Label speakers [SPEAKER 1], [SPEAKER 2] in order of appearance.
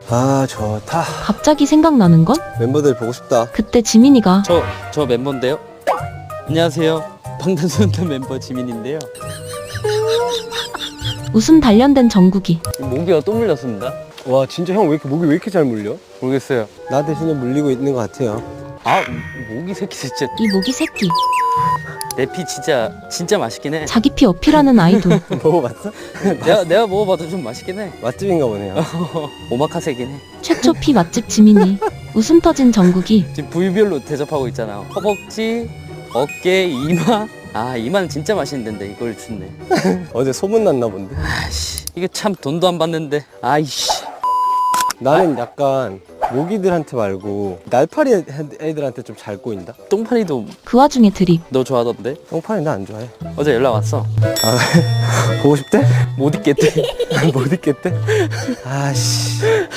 [SPEAKER 1] 아 좋다.
[SPEAKER 2] 갑자기 생각나는 건
[SPEAKER 1] 멤버들 보고 싶다.
[SPEAKER 2] 그때 지민이가
[SPEAKER 3] 저 멤버인데요. 안녕하세요. 방탄소년단 멤버 지민인데요.
[SPEAKER 2] 웃음 단련된 정국이
[SPEAKER 3] 모기가 또 물렸습니다.
[SPEAKER 1] 와 진짜 형 왜 이렇게 목이 왜 이렇게 잘 물려?
[SPEAKER 3] 모르겠어요.
[SPEAKER 1] 나 대신에 물리고 있는 것 같아요.
[SPEAKER 3] 아 모기 새끼 진짜
[SPEAKER 2] 이 모기 새끼
[SPEAKER 3] 내 피 진짜 맛있긴 해.
[SPEAKER 2] 자기 피 어필하는 아이돌
[SPEAKER 1] 먹어봤어?
[SPEAKER 3] 내가 먹어봐도 좀 맛있긴 해.
[SPEAKER 1] 맛집인가 보네요.
[SPEAKER 3] 오마카세긴 해.
[SPEAKER 2] 최초 피 맛집 지민이 웃음 터진 정국이
[SPEAKER 3] 지금 부위별로 대접하고 있잖아. 허벅지, 어깨, 이마. 아 이마는 진짜 맛있는데 이걸 주네.
[SPEAKER 1] 어제 소문 났나 본데.
[SPEAKER 3] 아씨 이게 참 돈도 안 받는데. 아이씨.
[SPEAKER 1] 나는 약간 모기들한테 말고 날파리 애들한테 좀 잘 꼬인다.
[SPEAKER 3] 똥파리도
[SPEAKER 2] 그 와중에 드립
[SPEAKER 3] 너 좋아하던데?
[SPEAKER 1] 똥파리 나 안 좋아해.
[SPEAKER 3] 어제 연락 왔어.
[SPEAKER 1] 보고 싶대?
[SPEAKER 3] 못 있겠대.
[SPEAKER 1] 못 있겠대? 아씨.